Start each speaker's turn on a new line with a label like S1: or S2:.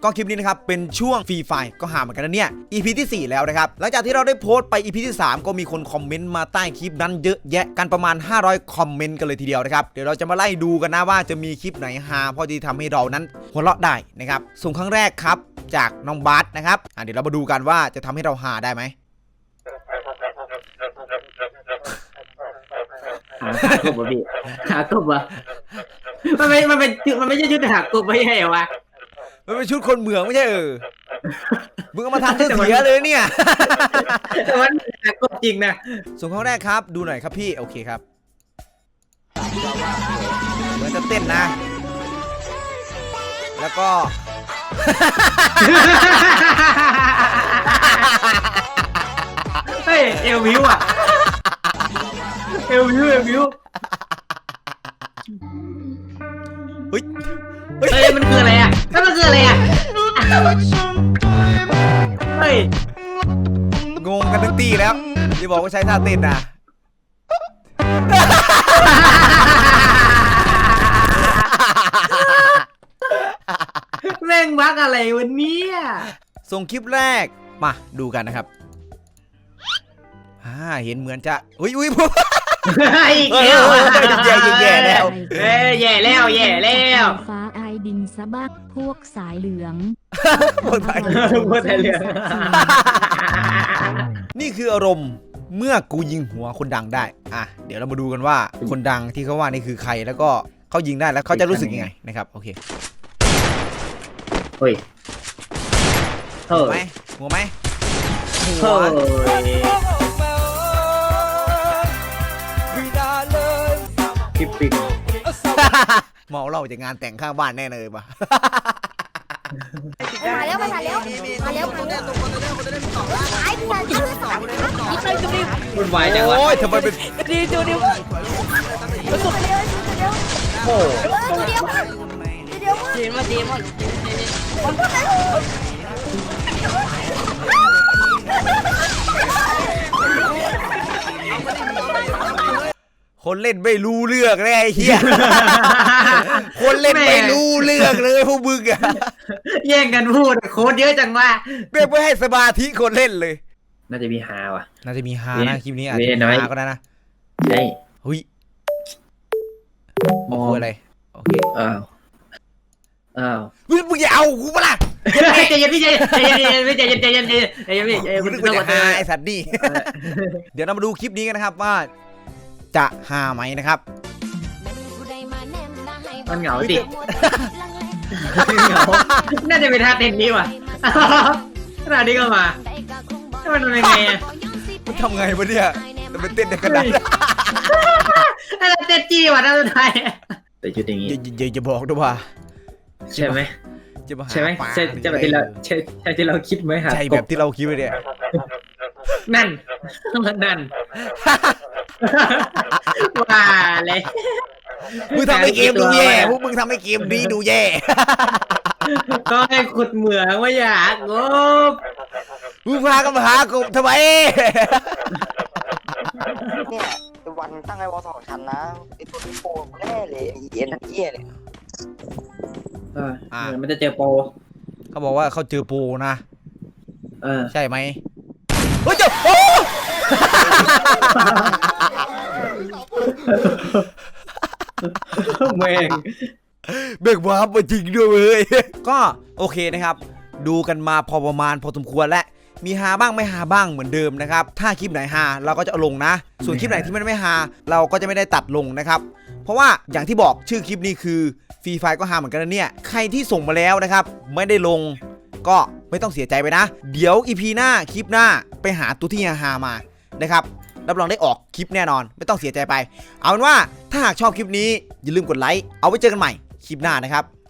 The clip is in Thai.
S1: ก็คลิปนี้นะครับเป็นช่วงฟรีไฟก็หาเหมือนกันนะเนี่ย EP ที่4แล้วนะครับหลังจากที่เราได้โพสต์ไป EP ที่3ก็มีคนคอมเมนต์มาใต้คลิปนั้นเยอะแยะกันประมาณ500คอมเมนต์กันเลยทีเดียวนะครับเดี๋ยวเราจะมาไล่ดูกันนะว่าจะมีคลิปไหนฮาพอที่ทำให้เรานั้นหัวเราะได้นะครับส่งครั้งแรกครับจากน้องบาสนะครับเดี๋ยวเรามาดูกันว่าจะทำให้เราฮาได้ไหม
S2: หากบวะพี่หากบวะมันไม่ใช่ชุดหากบไม่ใช่เหรอวะ
S1: มันเป็นชุดคนเหมืองไม่ใช่มึงเอามาทำเสียเลยเนี่ย
S2: แต่มันหากบจริงนะ
S1: ส่งครั้งแรกครับดูหน่อยครับพี่โอเคครับเหมือนจะเต้นนะแล้วก็
S2: เฮ้ยเอลวิวอ่ะเอลวิว
S1: เฮ้ย
S2: มันคืออะไรอ่ะแล้วมันคืออะไรอ่ะเฮ้ย
S1: งงกันทั้งตีแล้วที่บอกว่าใช้ท่าเต้นนะ
S2: แม่งบักอะไรวันนี้
S1: ส่งคลิปแรกมาดูกันนะครับเห็นเหมือนจะอุ้ย
S2: อีกแล้ว
S1: แย่แล้ว
S2: แย่แล้ว
S3: ฟ้าไอดินสะบักพวกสายเหลือง
S1: พวกสายเหลืองนี่คืออารมณ์เมื่อกูยิงหัวคนดังได้เดี๋ยวเรามาดูกันว่าคนดังที่เขาว่านี่คือใครแล้วก็เขายิงได้แล้วเขาจะรู้สึกยังไงนะครับโอเค
S2: เฮ้ย
S1: หัวไหม
S2: คลิปปิง
S1: เมาเราจากงานแต่งข้างบ้านแน่เลยป่ะ
S4: มาแล้ว
S2: วุ่นวายจังวะ
S1: โอ้ยทำไมเป็น
S4: ดีจูดิว
S1: โอ้
S4: เดียวมา
S1: คนเล่นไม่รู้เรื่องเลยไอ้เหี้ยคนเล่นไม่รู้เรื่องเลยพวกมึงอะ
S2: แย่งกันพูดโค้ดเยอะจังว่า
S1: ไม่ให้สมาธิคนเล่นเลย
S2: น่าจะมีฮาว่ะ
S1: น่าจะมีฮานะคลิปนี้อาจจะมีฮาก็ได้นะ
S2: ใช่
S1: เฮ้ยมองอะไรโอเค
S2: อ้าว
S1: มึงอย่าเอากูปะล่ะ
S2: ใจเย็นพี่ใจเย็น
S1: มึงนึกว่าจะฮาไอ้สัตว์นี่เดี๋ยวเรามาดูคลิปนี้กันนะครับว่าจะฮาไหมนะครับ
S2: มันเหงาดิน่าจะเป็นท่าเต้นนี้ว่ะขนาดนี้ก็มามันเป็นไงอ่ะ
S1: มันทำไงวะเนี่ยมันเป็นเต้นในกระดาษ
S2: อะไรเต้นจี้ว่ะน่าจะไทยแต่ชุดอย่างนี้
S1: จะบอกด้วยว่า
S2: ใช่ไหมใช่ไหมใช่แบบที่เราใช่ที่เราคิดไหมครับ
S1: ใช่แบบที่เราคิดไว้เนี่ย
S2: นั่นว่าเลย
S1: มึงทำให้เกมดูแย่พวกมึงทำให้เกมดีดูแย่
S2: ก็ให้ขุดเหมืองว่าอยากงบ
S1: มึงพากันมาหากบทำไม
S5: เนี่ยวันตั้งไอ้วอล2 ชั้นนะไอ้ตัวนี้โปรแน่เลยไอ้เอ็นทั้งเอี้ยเลย
S2: มันจะเจอโปร
S1: เขาบอกว่าเขาเจอโปรนะใช่ไหมเฮ้ยเจ้าโอ้
S2: แม่ง
S1: เบิกวาร์ปมาจริงด้วยเลยก็โอเคนะครับดูกันมาพอประมาณพอสมควรและมีฮาบ้างไม่ฮาบ้างเหมือนเดิมนะครับถ้าคลิปไหนฮาเราก็จะเอาลงนะส่วนคลิปไหนที่ไม่ฮาเราก็จะไม่ได้ตัดลงนะครับเพราะว่าอย่างที่บอกชื่อคลิปนี้คือฟรีไฟก็ฮาเหมือนกันนะเนี่ยใครที่ส่งมาแล้วนะครับไม่ได้ลงก็ไม่ต้องเสียใจไปนะเดี๋ยว EP หน้าคลิปหน้าไปหาตัวที่ฮามานะครับรับรองได้ออกคลิปแน่นอนไม่ต้องเสียใจไปเอาเป็นว่าถ้าหากชอบคลิปนี้อย่าลืมกดไลค์เอาไว้เจอกันใหม่คลิปหน้านะครับ